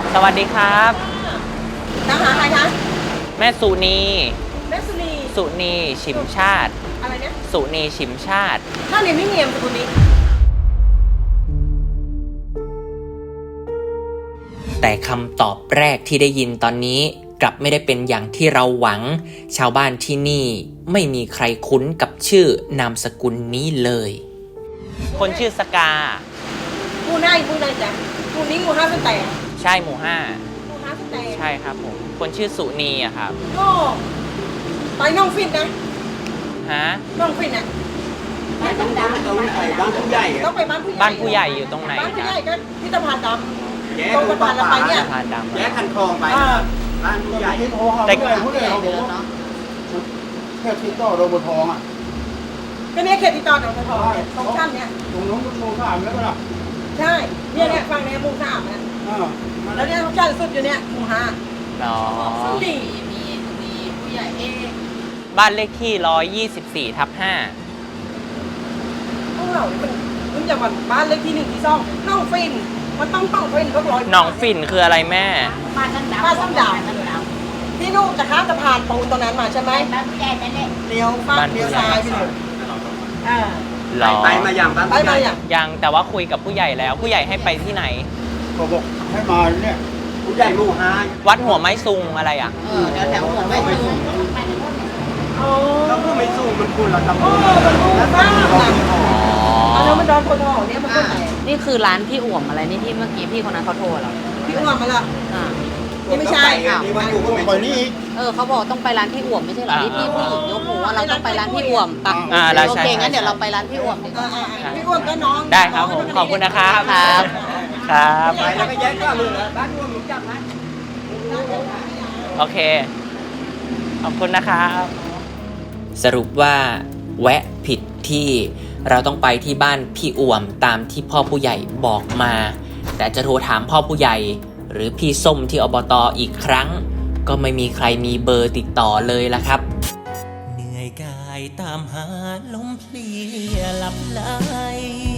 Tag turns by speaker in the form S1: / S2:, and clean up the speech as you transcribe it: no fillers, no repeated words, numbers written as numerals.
S1: สวัสดีครับ
S2: ตามหาใครคะ
S1: แม่สุนี
S2: แม่สุนี
S1: สุนีชิมชาติ
S2: อะไรเนี่ย
S1: สุนีชิมชาติ
S2: ถ้าเรียนไม่เนียมสุนี
S1: แต่คำตอบแรกที่ได้ยินตอนนี้กลับไม่ได้เป็นอย่างที่เราหวังชาวบ้านที่นี่ไม่มีใครคุ้นกับชื่อนามสกุลนี้เลยคนชื่อสกา
S2: ผู้นายจ้ะผู้นี้หมู่ห้าสแตน
S1: ใช่หมู่ห้า
S2: สแตน
S1: ใช่ครับผมคนชื่อสุนีอะครับ
S2: ก็ไปน้องฟินนะ
S1: ฮะ
S2: น้องฟินอ่ะ
S3: ต้องไปบ้านผู้ใหญ่
S2: ต้องไปบ้านผู้ใหญ่
S1: บ้านผู้ใหญ่อยู่ตรงไหน
S2: บ้านผู้ใหญ่ก็พิพิธภัณฑ์ดำ
S3: ต
S2: รงสะพานเราไปเนี่ย
S3: แยกคันคลองไปบ้านผู้ใหญ่
S4: แต่ผู้ใหญ่เขาบอกว่าแค่ติดต่อโรบทองอ่ะ
S2: ก็เนี่ยเขตติดต่อหนองบัวทองตรงชั้นเนี่ย
S4: ตรงนู้นโมสามแล้วก็ล่ะ
S2: ใช่เนี่ยฝั่งนี้หมู่สามนะแล้วเนี่ยชั้นสุดอยู่เนี่ยหมู่ห้า
S1: ดี
S2: มีผู้ใหญ่
S1: บ้านเลขที่124/5
S2: พวกเรามันจะบ้านเลขที่1ที่2น้องฟินมันต้องฟินก็ร้อย
S1: หนองฝิ่นคืออะไรแม่
S2: บ้านซ้ำดาวพี่ลูกจะข้ามสะพานปูนตรงนั้นมาใช่ไหมบ้านผู้ใหญ่นั่นแหละเลี้ยวซ้ายไปเลย
S3: ไปมาอย่างบ้านผู้ใหญ่
S1: ยังแต่ว่าคุยกับผู้ใหญ่แล้วผู้ใหญ่ให้ไปที่ไหน
S4: ก็บอกให้มาเนี่ย
S3: ผู้ใหญ่หมู่ห้า
S1: วัดหัวไม้ซุงอะไรอ่ะ
S3: แถวหัวไม่สูงแล้วผู้ไม่สูงมันคุณเราทำ
S2: มันรู้บ้างอันนั้นมันโดนคนห่อเนี่ยมันก็ไหน
S5: นี่คือร้านพี่อ่วมอะไรนี่ที่เมื่อกี้พี่คนนั้นเขาโทรเรา
S2: พี่อ่วมมาละนี่ไม่ใช่
S3: นี่มันอยู่ก็ไม่
S4: นี่
S5: เขาบอกต้องไปร้านพี่อ่วมไม่ใช่เหรอที่พี่ผู้หญิงยกหูว่าเราต้องไปร้านพี่อ่วมปักโอเคงั้นเดี๋ยวเราไปร้านพี่อ่วมดีกว่า
S2: พี่อ่วมก็น้อง
S1: ได้ครับผมขอบคุณนะครับครับ
S3: ไปแล้วก็แยกก็มือบ้านอ้วมหนูจับนะ
S1: โอเคขอบคุณนะครับสรุปว่าแวะผิดที่เราต้องไปที่บ้านพี่อ่วมตามที่พ่อผู้ใหญ่บอกมาแต่จะโทรถามพ่อผู้ใหญ่หรือพี่ส้มที่อบต.อีกครั้งก็ไม่มีใครมีเบอร์ติดต่อเลยล่ะครับเหนื่อยกายตามหาลมเพลียหลับไหล